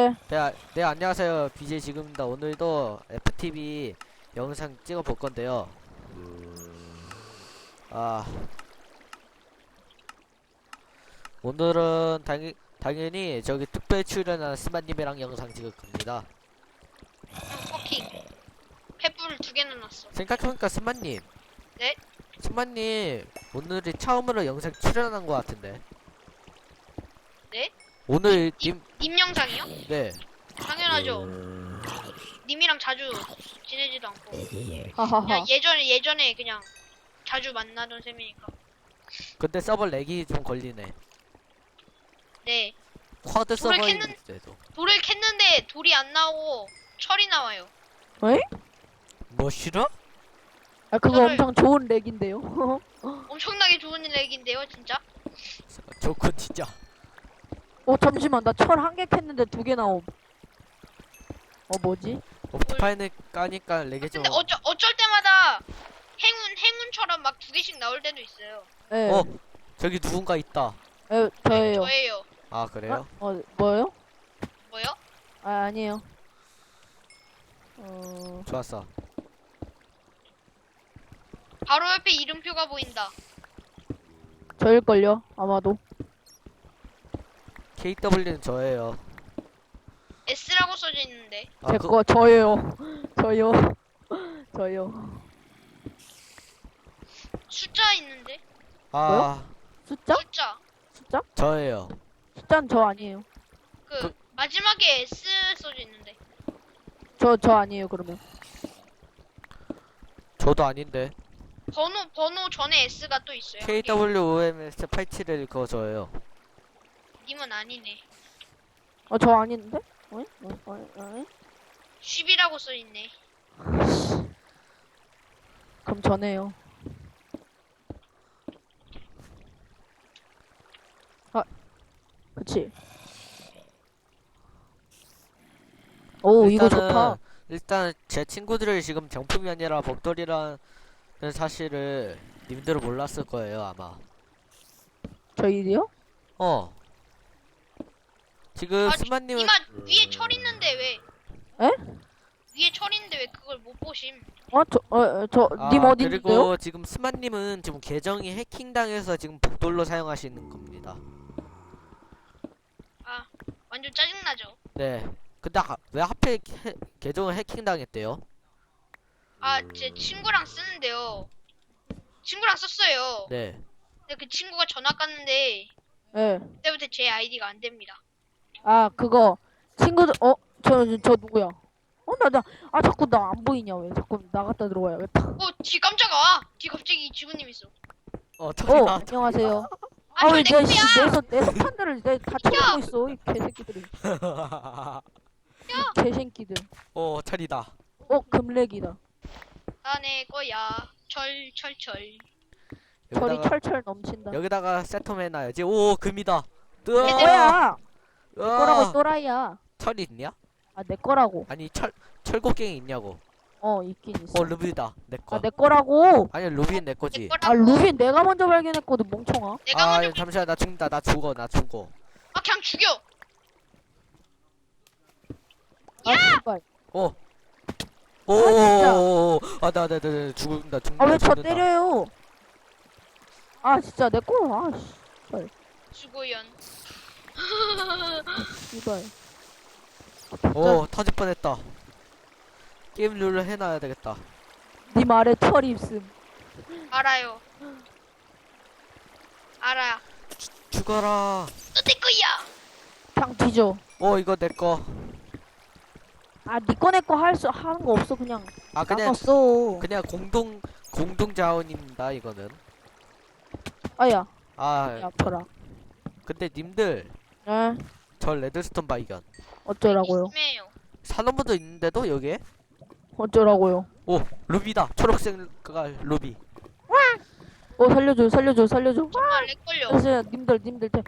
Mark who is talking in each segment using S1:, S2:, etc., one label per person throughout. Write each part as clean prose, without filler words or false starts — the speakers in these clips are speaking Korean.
S1: 네, 안녕하세요. BJ 지금입니다. 오늘도 FTV 영상 찍어 볼 건데요. 아, 오늘은 당연히 저기 특별 출연한 스마님이랑 영상 찍을 겁니다.
S2: 커킹. 횃불을 2개나 놨어.
S1: 생각해보니까 스마님.
S2: 네?
S1: 스마님, 오늘이 처음으로 영상 출연한 것 같은데.
S2: 네?
S1: 오늘
S2: 님 영상이요?
S1: 네.
S2: 당연하죠. 님이랑 자주 지내지도 않고.
S3: 하하하.
S2: 그냥 예전에 그냥 자주 만나던 셈이니까.
S1: 근데 서버 렉이 좀 걸리네.
S2: 네.
S1: 쿼드
S2: 돌을
S1: 서버인데도.
S2: 돌을 캤는데 돌이 안 나오고 철이 나와요.
S3: 에?
S1: 뭐 싫어?
S3: 아 그거
S2: 저를-
S3: 엄청 좋은 렉인데요.
S2: 엄청나게 좋은 렉인데요, 진짜.
S1: 좋군 진짜.
S3: 잠시만 나 철 1개 캤는데 2개 나옴. 뭐지?
S1: 옵티파이는 까니까 렉이 좀.
S2: 근데 어쩔 때마다 행운처럼 막 2개씩 나올 때도 있어요.
S3: 예.
S1: 저기 누군가 있다.
S3: 저예요.
S2: 저예요.
S1: 아 그래요?
S3: 뭐요?
S2: 뭐요?
S3: 아니에요.
S1: 좋았어.
S2: 바로 옆에 이름표가 보인다.
S3: 저일걸요 아마도.
S1: KW는 저예요.
S2: S라고 써져 있는데.
S1: 아,
S3: 제거 저예요. 저요. 저요.
S2: 숫자 있는데.
S1: 아,
S3: 숫자?
S2: 숫자.
S3: 숫자?
S1: 저예요.
S3: 숫자는 저 아니에요.
S2: 그 마지막에 S 써져 있는데.
S3: 저 아니에요 그러면.
S1: 저도 아닌데.
S2: 번호 전에 S가 또 있어요.
S1: KWOMS 87일 그거 저예요.
S2: 님은 아니네.
S3: 저 아닌데? 어?
S2: 10이라고 써 있네.
S3: 그럼 저네요. 그치. 오 이거 좋다.
S1: 일단 제 친구들이 지금 정품이 아니라 복돌이라는 사실을 님들은 몰랐을 거예요 아마.
S3: 저희요?
S1: 지금
S2: 아,
S1: 스마님은
S2: 이마 위에 철 있는데 왜?
S3: 에?
S2: 위에 철 있는데 왜 그걸 못 보심?
S3: 님 어딘데요?
S1: 그리고 지금 스마님은 지금 계정이 해킹당해서 지금 복돌로 사용하시는 겁니다.
S2: 아, 완전 짜증나죠.
S1: 네. 근데 왜 하필 계정을 해킹당했대요?
S2: 아, 제 친구랑 쓰는데요. 친구랑 썼어요.
S1: 네.
S2: 근데 그 친구가 전화 깠는데
S3: 예.
S2: 그때부터 제 아이디가 안 됩니다.
S3: 그거 친구들 저 누구야? 자꾸 나 안 보이냐 왜? 자꾸 나갔다 들어와야겠다.
S2: 뒤 깜짝아. 뒤 갑자기 지구님 있어.
S1: 저기다.
S3: 안녕하세요.
S2: 아,
S3: 왜
S2: 저내 거야.
S3: 내 석탄들을 다 쳐먹고 있어 이 개새끼들이. 이 개새끼들.
S1: 철이다.
S3: 금렉이다.
S2: 아, 내 거야. 철.
S3: 철이
S1: 여기다가,
S3: 철철 넘친다.
S1: 여기다가 세톰 해놔야지. 오, 금이다.
S3: 내
S1: 으아!
S3: 거야. 내
S1: 으아!
S3: 거라고 또라이야.
S1: 철이 있냐?
S3: 내 거라고.
S1: 아니, 철곡갱이 있냐고.
S3: 있긴 있어.
S1: 루비다. 내 거.
S3: 내 거라고.
S1: 아니, 루비는 내 거지.
S2: 내 거라고.
S3: 루빈 내가 먼저 발견했거든 멍청아.
S2: 내가 먼저
S1: 잠시만, 나 죽는다. 나 죽어.
S2: 그냥 죽여.
S3: 씨발.
S1: 오,
S3: 진짜.
S1: 나 죽는다.
S3: 왜 저 때려요? 진짜 내 거.
S2: 수고연.
S3: 씨발.
S1: 터질 뻔했다. 게임 룰을 해놔야 되겠다.
S3: 네 말에 철이 있음.
S2: 알아요. 알아.
S1: 죽어라.
S2: 너 내 거야.
S3: 그냥 뒤져.
S1: 이거 내 거.
S3: 니 거 하는 거 없어 그냥.
S1: 그냥
S3: 나갔어.
S1: 그냥 공동 자원입니다. 이거는.
S3: 야
S1: 아,
S3: 아파라.
S1: 근데 님들
S3: 에?
S1: 저 레드스톤 발견.
S3: 어쩌라고요?
S2: 심해요.
S1: 산업부도 있는데도 여기에?
S3: 어쩌라고요?
S1: 오, 루비다. 초록색 루비.
S3: 살려줘.
S2: 정말 내 걸려.
S3: 님들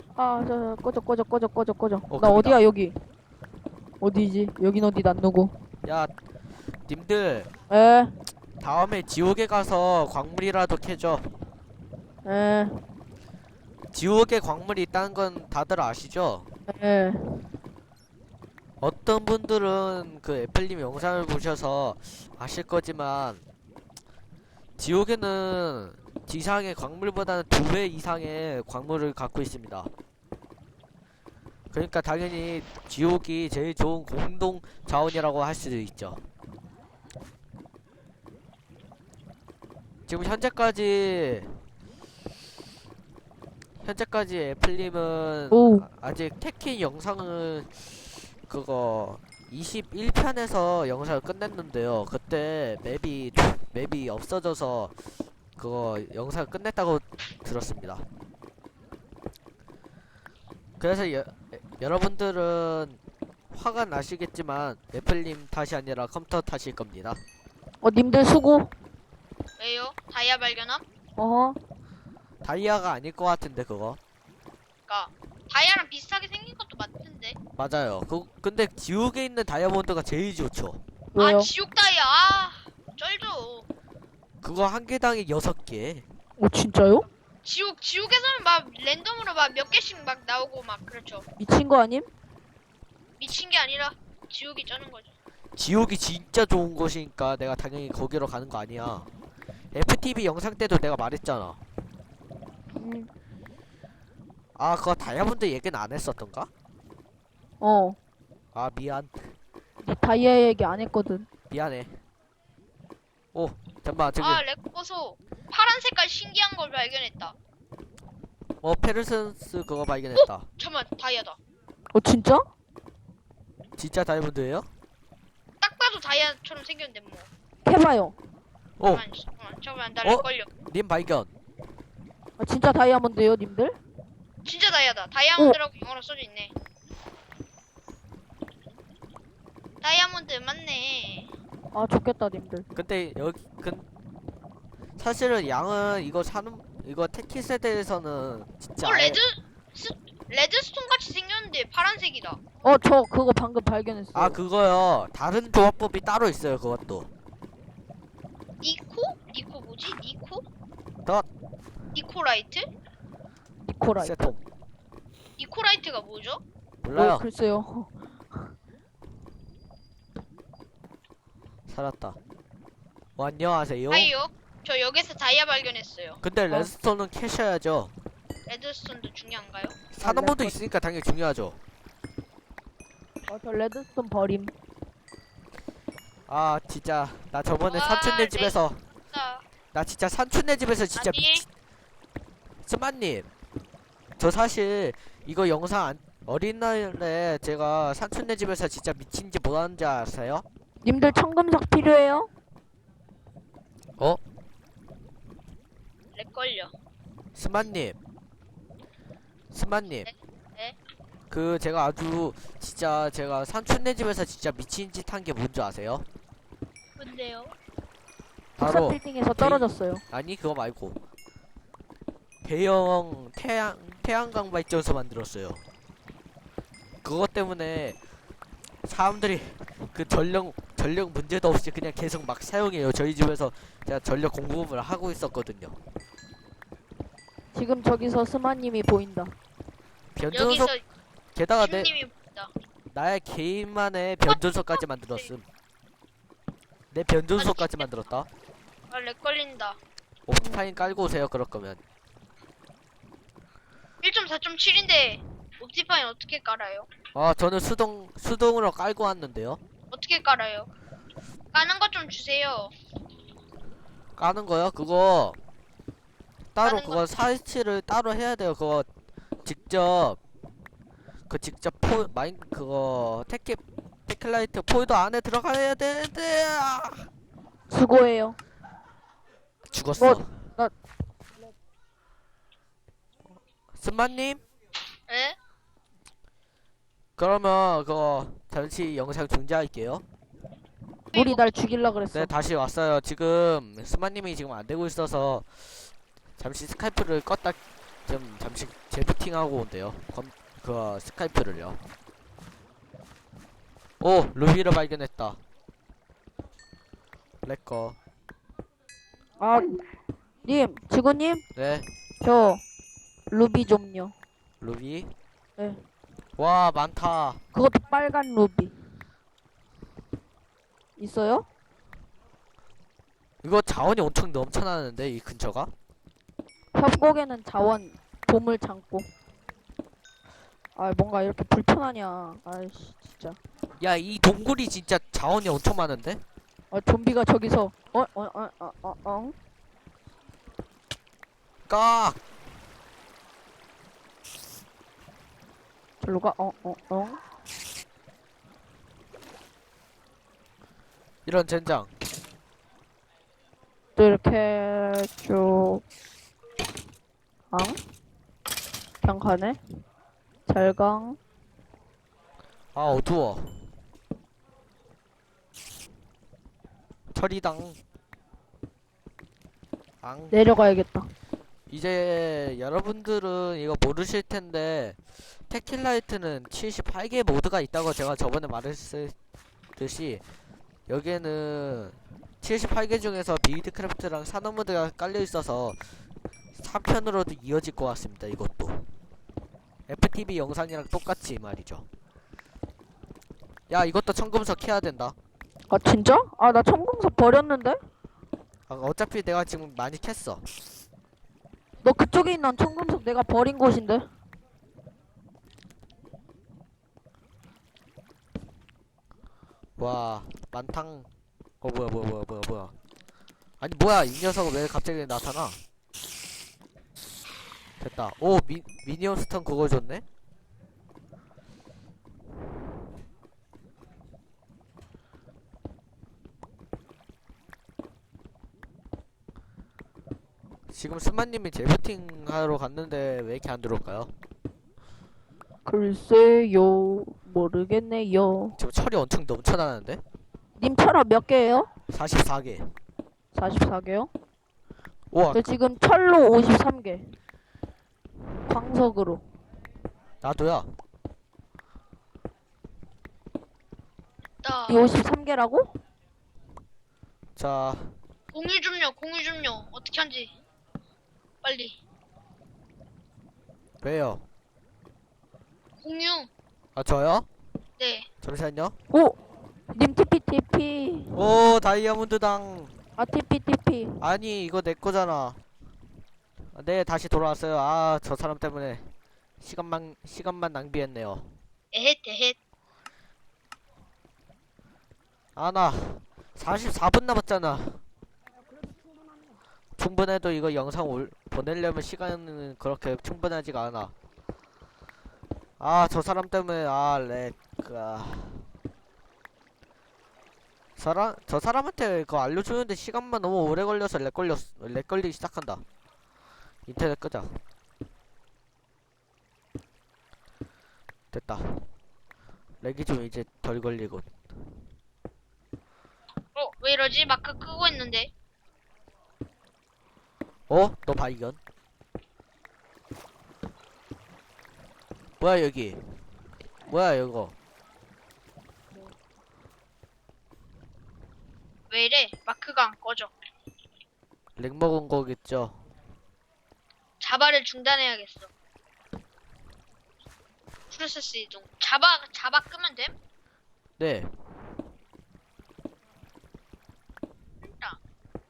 S3: 꺼져. 나
S1: 금이다.
S3: 어디야 여기? 어디지? 여긴 어디 난 누구?
S1: 야, 님들
S3: 에?
S1: 다음에 지옥에 가서 광물이라도 캐죠.
S3: 에?
S1: 지옥에 광물이 있다는 건 다들 아시죠?
S3: 에?
S1: 어떤 분들은 그 애플님 영상을 보셔서 아실 거지만 지옥에는 지상의 광물보다는 2배 이상의 광물을 갖고 있습니다. 그러니까 당연히 지옥이 제일 좋은 공동 자원이라고 할 수도 있죠. 지금 현재까지 애플님은
S3: 오.
S1: 아직 테킨 영상을 그거 21편에서 영상을 끝냈는데요. 그때 맵이 없어져서 그거 영상을 끝냈다고 들었습니다. 그래서 여러분들은 화가 나시겠지만 애플님 탓이 아니라 컴퓨터 탓일 겁니다.
S3: 님들 수고.
S2: 왜요? 다이아 발견함?
S3: 어허.
S1: 다이아가 아닐 것 같은데 그거.
S2: 그니까 다이아랑 비슷하게 생긴 것도 맞던데.
S1: 맞아요. 근데 지옥에 있는 다이아몬드가 제일 좋죠.
S3: 왜요?
S2: 아 지옥 다이아. 아 쩔죠.
S1: 그거 한 개당에 6개.
S3: 진짜요?
S2: 지옥에서는 막 랜덤으로 막 몇 개씩 막 나오고 막 그렇죠.
S3: 미친 거 아님?
S2: 미친 게 아니라 지옥이 쩌는 거죠.
S1: 지옥이 진짜 좋은 곳이니까 내가 당연히 거기로 가는 거 아니야. FTV 영상 때도 내가 말했잖아.
S3: 음.
S1: 아, 그거 다이아몬드 얘기는 안 했었던가? 아, 미안.
S3: 니 다이아 얘기 안 했거든.
S1: 미안해. 오, 잠깐만, 저기.
S2: 아 렉보소 파란 색깔 신기한 걸 발견했다.
S1: 페르센스 그거 발견했다.
S2: 잠깐만 다이아다.
S3: 진짜?
S1: 진짜 다이아몬드예요?
S2: 딱 봐도 다이아처럼 생겼는데 뭐.
S3: 해봐요.
S1: 오,
S2: 잠깐만 나
S1: 어?
S2: 렉 걸려.
S1: 님 발견.
S3: 진짜 다이아몬드예요, 님들?
S2: 진짜 다이아다. 다이아몬드라고 영어로 써져 있네. 다이아몬드 맞네.
S3: 좋겠다, 님들.
S1: 근데 사실은 양은 이거 테키 세대에서는 진짜
S2: 레드스톤 같이 생겼는데 파란색이다.
S3: 저 그거 방금 발견했어요.
S1: 아, 그거요. 다른 조합법이 따로 있어요, 그것도.
S2: 니코 뭐지?
S1: 덧.
S2: 니코라이트?
S3: 니코라이.
S1: 세톰.
S2: 니코라이트가 뭐죠?
S1: 몰라요.
S3: 글쎄요.
S1: 살았다. 안녕하세요.
S2: 아이요. 저 여기서 다이아 발견했어요.
S1: 근데 레드스톤은 캐셔야죠.
S2: 레드스톤도 중요한가요?
S1: 산업모드 있으니까 당연히 중요하죠.
S3: 저 레드스톤 버림.
S1: 아, 진짜 나 저번에
S2: 와,
S1: 삼촌네 집에서
S2: 나
S1: 나 진짜 삼촌네 집에서 진짜
S2: 아니
S1: 스마님, 저 사실 이거 영상 어린 날에 제가 삼촌네 집에서 진짜 미친지 뭐하는지 아세요?
S3: 님들 청금석 필요해요?
S2: 렉 걸려.
S1: 스마님,
S2: 네?
S1: 그 제가 아주 진짜 제가 삼촌네 집에서 진짜 미친 짓 한 게 뭔지 아세요?
S2: 뭔데요?
S3: 특사
S1: 바로
S3: 빌딩에서 떨어졌어요.
S1: 아니 그거 말고 대형 태양광 발전소 만들었어요. 그것 때문에 사람들이 그 전력 문제도 없이 그냥 계속 막 사용해요. 저희 집에서 제가 전력 공급을 하고 있었거든요.
S3: 지금 저기서 스마님이 보인다.
S1: 변전소
S2: 여기서
S1: 게다가
S2: 신님이 보인다.
S1: 나의 개인만의 변전소까지 만들었음. 내 변전소까지 만들었다.
S2: 아, 렉 걸린다.
S1: 옵타인 깔고 오세요. 그럴 거면
S2: 1.4.7인데 옵티파인 어떻게 깔아요?
S1: 저는 수동으로 깔고 왔는데요.
S2: 어떻게 깔아요? 까는 것 좀 주세요.
S1: 까는 거요? 그거 따로
S2: 까는
S1: 그거 설치를 따로 해야 돼요. 그거 직접 그거 테클라이트 폴더 안에 들어가야 되는데
S3: 수고해요.
S1: 죽었어.
S3: 나-
S1: 스마님?
S2: 에?
S1: 그러면 그거 잠시 영상 중지할게요.
S3: 물이 날 죽일라 그랬어.
S1: 네, 다시 왔어요. 지금 스마님이 지금 안 되고 있어서 잠시 스카이프를 껐다 좀 잠시 재부팅하고 온대요. 그 스카이프를요. 오, 루비를 발견했다. 렉거.
S3: 지구님,
S1: 네,
S3: 저 루비 좀요.
S1: 루비.
S3: 네.
S1: 와, 많다.
S3: 그것도 빨간 루비. 있어요?
S1: 이거 자원이 엄청 넘쳐나는데, 이 근처가?
S3: 협곡에는 자원, 보물 창고. 아, 뭔가 이렇게 불편하냐. 아이씨, 진짜.
S1: 야, 이 동굴이 진짜 자원이 엄청 많은데?
S3: 좀비가 저기서,
S1: 까!
S3: 절로 가,
S1: 이런 젠장.
S3: 또 이렇게 쭉, 그냥 가네? 잘강.
S1: 아, 어두워. 철이당. 앙.
S3: 내려가야겠다.
S1: 이제 여러분들은 이거 모르실 텐데, 테킬라이트는 78개 모드가 있다고 제가 저번에 말했듯이, 여기에는 78개 중에서 빌드크래프트랑 산업 모드가 깔려 있어서 3편으로도 이어질 것 같습니다. 이것도 FTV 영상이랑 똑같이 말이죠. 야, 이것도 청금석 해야 된다.
S3: 아, 진짜? 아, 나 청금석 버렸는데?
S1: 아, 어차피 내가 지금 많이 캤어.
S3: 너 그쪽에 있는 청금석 내가 버린 곳인데?
S1: 와, 만탕. 뭐야. 아니, 뭐야, 이 녀석은 왜 갑자기 나타나? 됐다. 오, 미니언 스턴 그거 줬네? 지금 스마님이 제부팅 하러 갔는데 왜 이렇게 안 들어올까요?
S3: 글쎄요, 모르겠네요.
S1: 지금 철이 엄청 넘쳐나는데?
S3: 님 철학 몇 개예요?
S1: 44개.
S3: 44개요?
S1: 우와,
S3: 저 지금 철로 53개. 광석으로.
S1: 나도야.
S2: 나
S3: 이 53개라고?
S1: 자,
S2: 공유 좀요. 어떻게 한지 빨리.
S1: 왜요?
S2: 공유.
S1: 아, 저요?
S2: 네.
S1: 잠시만요.
S3: 오! 님 TP.
S1: 오, 다이아몬드당.
S3: 아, TP.
S1: 아니, 이거 내 거잖아. 아, 네, 다시 돌아왔어요. 아, 저 사람 때문에 시간만 낭비했네요.
S2: 에헷.
S1: 아, 나 44분 남았잖아. 충분해도 이거 영상 보내려면 시간은 그렇게 충분하지가 않아. 아, 저 사람 때문에 저 사람한테 그거 알려주는데 시간만 너무 오래 걸려서 렉 걸리기 시작한다. 인터넷 끄자. 됐다. 렉이 좀 이제 덜 걸리고.
S2: 왜 이러지? 마크 끄고 있는데.
S1: 어? 너 발견? 뭐야 여기? 뭐야 이거?
S2: 왜 이래? 마크가 안 꺼져.
S1: 렉 먹은 거겠죠?
S2: 자바를 중단해야겠어. 프로세스 이동. 자바 끄면 됨?
S1: 네.
S2: 됐다.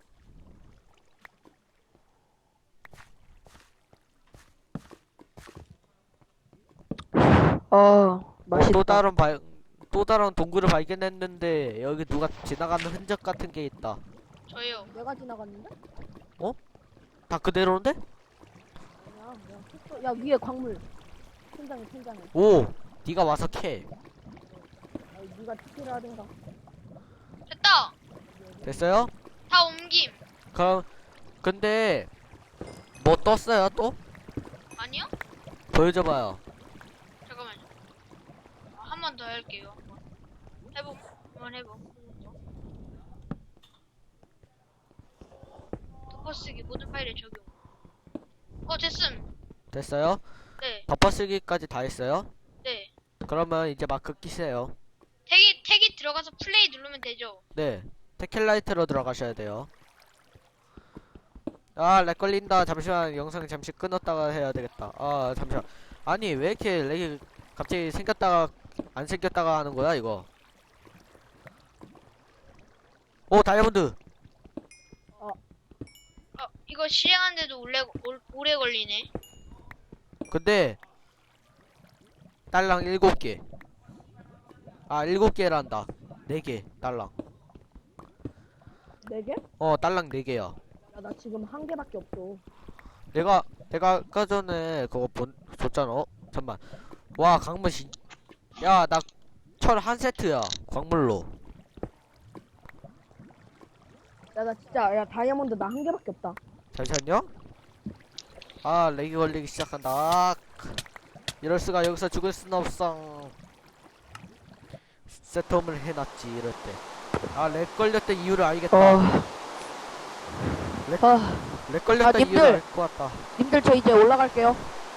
S3: 맛있다.
S1: 또 다른 동굴을 발견했는데 여기 누가 지나가는 흔적 같은 게 있다.
S2: 저요.
S3: 내가 지나갔는데?
S1: 다 그대로인데?
S3: 야, 위에 광물. 천장에.
S1: 오! 네가 와서 캐.
S3: 네가 TP를 하든가.
S2: 됐다.
S1: 됐어요?
S2: 다 옮김.
S1: 그럼 근데 뭐 떴어요 또?
S2: 아니요?
S1: 보여줘봐요.
S2: 잠깐만요. 한 번 더 할게요. 한번 해보. 덮어쓰기 모든 파일에 적용. 됐음.
S1: 됐어요?
S2: 네.
S1: 덮어쓰기까지 다 했어요?
S2: 네.
S1: 그러면 이제 마크 끼세요.
S2: 택이 들어가서 플레이 누르면 되죠.
S1: 네. 테킬라이트로 들어가셔야 돼요. 아, 렉 걸린다. 잠시만 영상 잠시 끊었다가 해야 되겠다. 아, 잠시만. 아니 왜 이렇게 렉이 갑자기 생겼다가 안 생겼다가 하는 거야 이거. 오 다이아몬드.
S2: 이거 실행하는데도 오래 걸리네.
S1: 근데 딸랑 7개. 아 7개란다. 4개 딸랑.
S3: 4개?
S1: 딸랑 4개야.
S3: 야, 나 지금 1개밖에 없어.
S1: 내가 아까 전에 그거 줬잖아. 잠만. 와 광물 야 나 철 한 세트야 광물로.
S3: 야, 나 진짜, 야, 다이아몬드 나 1개밖에 없다.
S1: 잠시만요. 아 렉이 걸리기 시작한다. 아, 이럴 수가. 여기서 죽을 순 없어. 세텀을 해놨지 이럴 때. 아 렉 걸렸던 이유를 알겠다. 렉 걸렸던
S3: 님들!
S1: 이유를 알 것 같다.
S3: 님들, 저 이제 올라갈게요.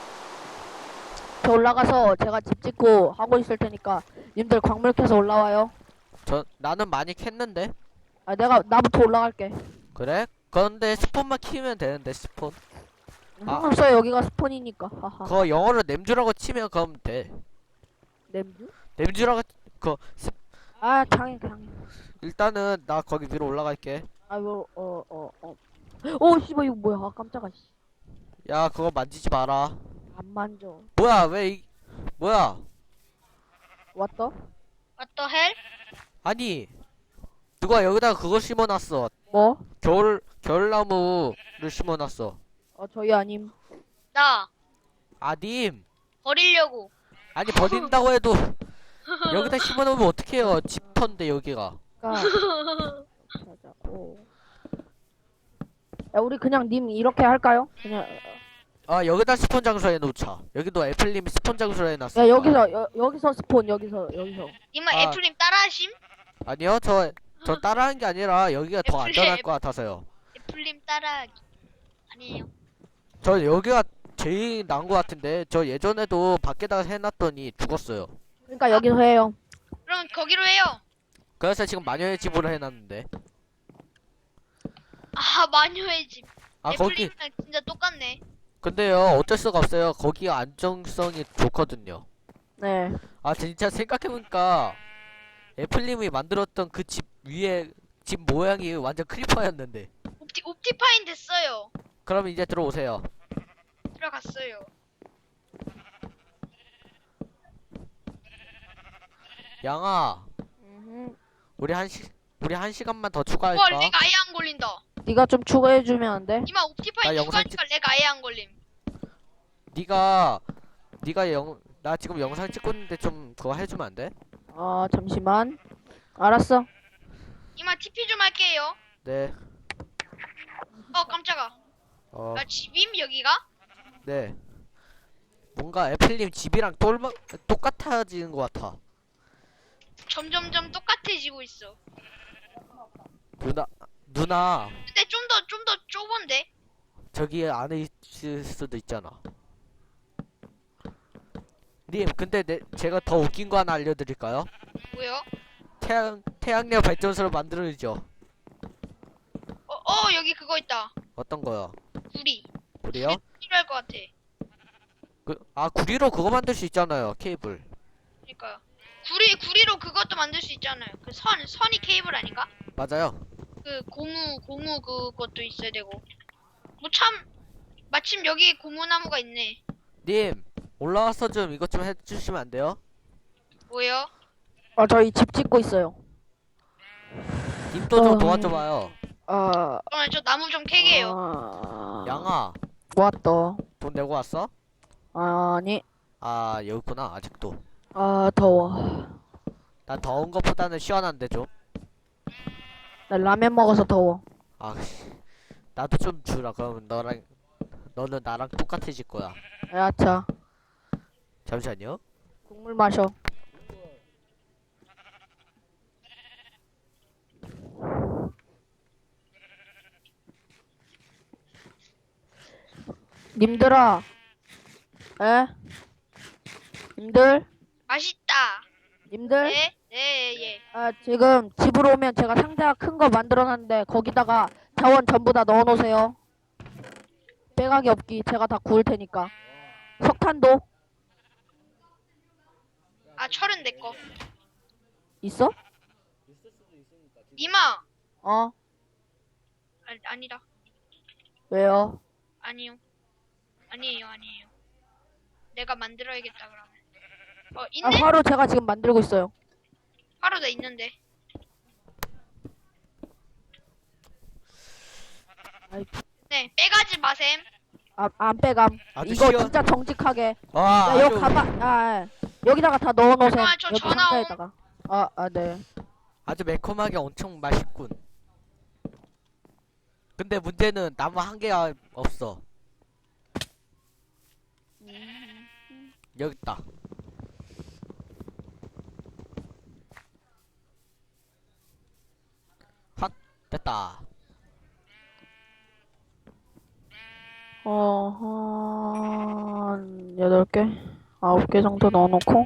S3: 저 올라가서 제가 집 짓고 하고 있을 테니까, 님들 광물 캐서 올라와요.
S1: 나는 많이 캤는데.
S3: 아, 나부터 올라갈게.
S1: 그래? 그런데 스폰만 키우면 되는데 스폰.
S3: 상관없어요. 여기가 스폰이니까. 하하.
S1: 그거 영어로 냄주라고 치면 그럼 돼.
S3: 냄주?
S1: 냄주라고
S3: 아, 장애.
S1: 일단은 나 거기 위로 올라갈게.
S3: 아이고, 오, 씨발, 이거 뭐야. 아, 깜짝아, 씨.
S1: 야 그거 만지지 마라.
S3: 안 만져.
S1: 뭐야 뭐야?
S3: 왔다?
S2: What the hell?
S1: 아니 누가 여기다가 그거 심어놨어.
S3: 뭐?
S1: 겨울나무를 심어놨어.
S3: 저희 아님.
S2: 나
S1: 아님.
S2: 버리려고.
S1: 아니 버린다고 해도 여기다 심어놓으면 어떡해요. 집터인데 여기가.
S3: 자자고. 야, 우리 그냥 님 이렇게 할까요? 그냥.
S1: 아 여기다 스폰 장소 해놓자. 여기도 애플님이 스폰 장소로 해놨어.
S3: 야, 여기서 스폰, 여기서.
S2: 이마
S1: 아.
S2: 애플님 따라하심?
S1: 아니요 전 따라한 게 아니라 여기가 더
S2: 애플님.
S1: 안전할 것 같아서요.
S2: 애플님 따라하기. 아니에요.
S1: 저 여기가 제일 나은 것 같은데. 저 예전에도 밖에다가 해놨더니 죽었어요.
S3: 그러니까 여기서 해요.
S2: 그럼 거기로 해요.
S1: 그래서 지금 마녀의 집으로 해놨는데.
S2: 아 마녀의 집.
S1: 아 거기
S2: 애플님이랑 진짜 똑같네.
S1: 근데요 어쩔 수가 없어요. 거기가 안정성이 좋거든요.
S3: 네.
S1: 아 진짜 생각해보니까 애플님이 만들었던 그 집 위에 집 모양이 완전 크리퍼였는데.
S2: 옵티파인 됐어요.
S1: 그럼 이제 들어오세요.
S2: 들어갔어요.
S1: 양아 우리 한 시간만 더
S2: 와,
S1: 추가할까?
S2: 렉 아예 안 걸린다.
S3: 네가 좀 추가해주면 안 돼?
S2: 이마 옵티파인
S1: 나 영상
S2: 추가하니까 렉 아예 안 걸림.
S1: 네가 나 지금 영상 찍고 있는데 좀 그거 해주면 안 돼?
S3: 잠시만. 알았어.
S2: 이마 TP 좀 할게요.
S1: 네.
S2: 깜짝아.
S1: 어,
S2: 나 집임 여기가?
S1: 네. 뭔가 애플님 집이랑 똑같아지는 것 같아.
S2: 점점점 똑같아지고 있어.
S1: 누나
S2: 근데 좀 더 좁은데?
S1: 저기 안에 있을 수도 있잖아. 님, 근데 제가 더 웃긴 거 하나 알려드릴까요?
S2: 뭐요?
S1: 태양력 발전소를 만들어야죠.
S2: 여기 그거 있다.
S1: 어떤 거요?
S2: 구리.
S1: 구리요?
S2: 필요할 것 같아.
S1: 구리로 그거 만들 수 있잖아요. 케이블.
S2: 그러니까요. 구리로 그것도 만들 수 있잖아요. 그 선이 케이블 아닌가?
S1: 맞아요.
S2: 그 고무 그것도 있어야 되고. 마침 여기 고무나무가 있네.
S1: 님, 올라와서 좀 이것 좀 해주시면 안 돼요?
S2: 뭐요?
S3: 저희 집 짓고 있어요.
S1: 님도 좀 도와줘봐요.
S2: 저 나무 좀 캐게요.
S1: 양아,
S3: 왔다.
S1: 돈 내고 왔어?
S3: 아니.
S1: 아, 여기 있구나, 아직도.
S3: 더워.
S1: 난 더운 것보다는 시원한데 좀.
S3: 나 라면 먹어서 더워.
S1: 나도 좀 주라. 그러면 너는 나랑 똑같아질 거야.
S3: 야차.
S1: 잠시만요.
S3: 국물 마셔. 님들아. 님들?
S2: 맛있다.
S3: 님들?
S2: 네? 예.
S3: 지금 집으로 오면 제가 상자가 큰 거 만들어놨는데 거기다가 자원 전부 다 넣어놓으세요. 빼가기 없기. 제가 다 구울 테니까. 석탄도.
S2: 아, 철은 내 거.
S3: 있어?
S2: 니마.
S3: 어?
S2: 아니다.
S3: 왜요?
S2: 아니요. 아니에요. 내가 만들어야겠다 그러면.
S3: 아,
S2: 있네?
S3: 화로 제가 지금 만들고 있어요.
S2: 바로 나 있는데.
S3: 아이,
S2: 네, 빼가지 마셈.
S3: 안 빼감.
S1: 아주
S3: 이거
S1: 시원.
S3: 진짜 정직하게.
S1: 와,
S3: 야, 여기
S1: 아주,
S3: 가봐. 여기다가 다 넣어놓으세요.
S2: 아, 저
S3: 여기
S2: 전화
S3: 상자에다가. 네.
S1: 아주 매콤하게 엄청 맛있군. 근데 문제는 나무 한 개가 없어. 여기 있다. 핫, 됐다.
S3: 한 8개? 9개 정도 넣어놓고.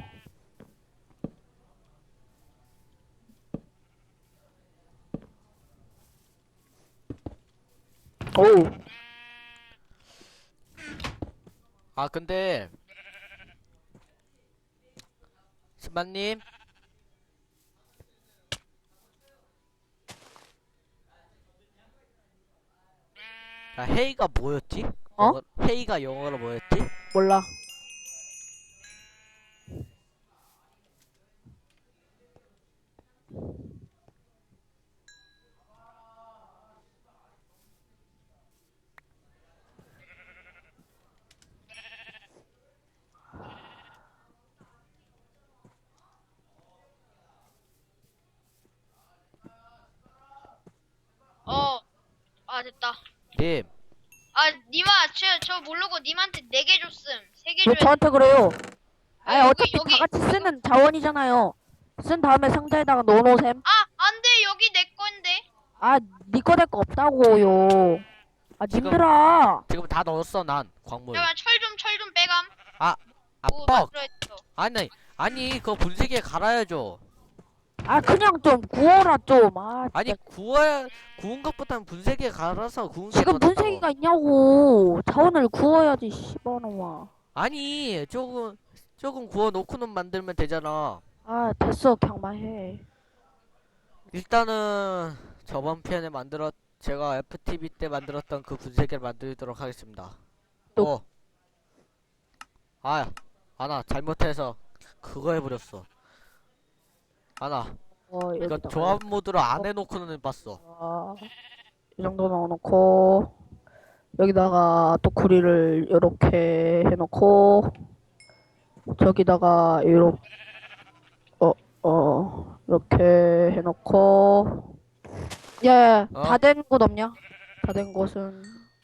S3: 오우.
S1: 아, 근데, 신반님? 야, 헤이가 뭐였지?
S3: 어?
S1: 헤이가 영어로 뭐였지?
S3: 몰라.
S2: 됐다.
S1: 님,
S2: 니마, 저 모르고 님한테 4개 줬음. 3개
S3: 왜
S2: 줘야
S3: 저한테 그래요? 아니,
S2: 여기,
S3: 어차피
S2: 여기.
S3: 다 같이 쓰는 자원이잖아요. 쓴 다음에 상자에다가 넣어놓으셈.
S2: 안 돼. 여기 내 건데.
S3: 니 거 될 거 없다고요.
S1: 지금-
S3: 님들아.
S1: 지금 다 넣었어, 난, 광물.
S2: 잠깐만, 철 좀 빼감. 오,
S1: 뻑!
S2: 만들어야겠어.
S1: 아니, 그거 분쇄기에 갈아야죠.
S3: 그냥 좀 구워라, 좀.
S1: 아니,
S3: 진짜.
S1: 구운 것보다는 분쇄기에 갈아서 구운 게
S3: 지금
S1: 더 낫다고.
S3: 분쇄기가 있냐고. 자원을 구워야지, 씨발놈아.
S1: 아니, 조금 구워놓고는 만들면 되잖아.
S3: 됐어. 그냥 말해.
S1: 일단은, 저번 편에 제가 FTV 때 만들었던 그 분쇄기를 만들도록 하겠습니다.
S3: 또-
S1: 아나, 잘못해서 그거 해버렸어. 아나, 이거
S3: 여기다가.
S1: 조합 모드로 안 해놓고는 해봤어.
S3: 이 정도 넣어놓고 여기다가 또 구리를 이렇게 해놓고 저기다가 이렇게 해놓고 다 된 곳 없냐? 다 된 곳은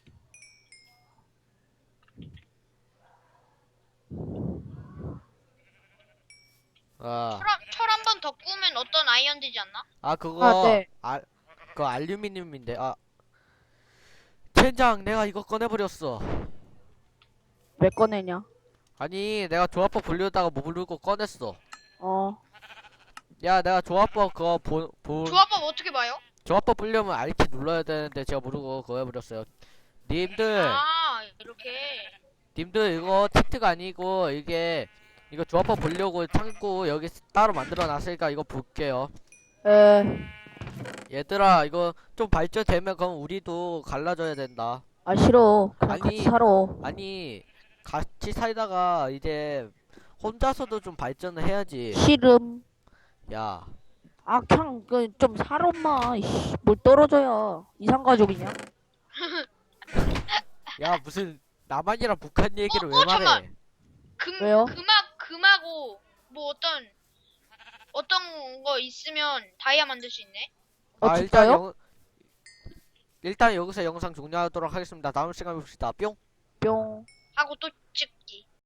S2: 철 한 번 더 구우면 어떤 아이언 되지 않나?
S1: 그거,
S3: 네.
S1: 그거 알루미늄인데, 젠장, 내가 이거 꺼내버렸어.
S3: 왜 꺼내냐?
S1: 아니, 내가 조합법 보려다가 모르고 꺼냈어.
S3: 어
S1: 야, 내가 조합법 그거
S2: 조합법 어떻게 봐요?
S1: 조합법 보려면 R키 눌러야 되는데 제가 모르고 그거 해버렸어요. 님들, 님들 이거 치트가 아니고 이거 조합법 보려고 창고 여기 따로 만들어 놨으니까 이거 볼게요. 얘들아, 이거 좀 발전되면 그럼 우리도 갈라져야 된다.
S3: 싫어. 그냥
S1: 아니.
S3: 같이 살아.
S1: 아니, 같이 살다가 이제 혼자서도 좀 발전을 해야지.
S3: 싫음.
S1: 야,
S3: 그냥 좀 살아 엄마. 뭘 떨어져야 이상가족이냐?
S1: 야, 무슨 남한이랑 북한 얘기를 왜 말해?
S2: 잠깐만.
S3: 왜요?
S2: 금하고 뭐 어떤 거 있으면 다이아 만들 수 있네.
S3: 진짜요?
S1: 일단 여기서 영상 종료하도록 하겠습니다. 다음 시간에 봅시다. 뿅.
S3: 뿅.
S2: 하고 또 찍기.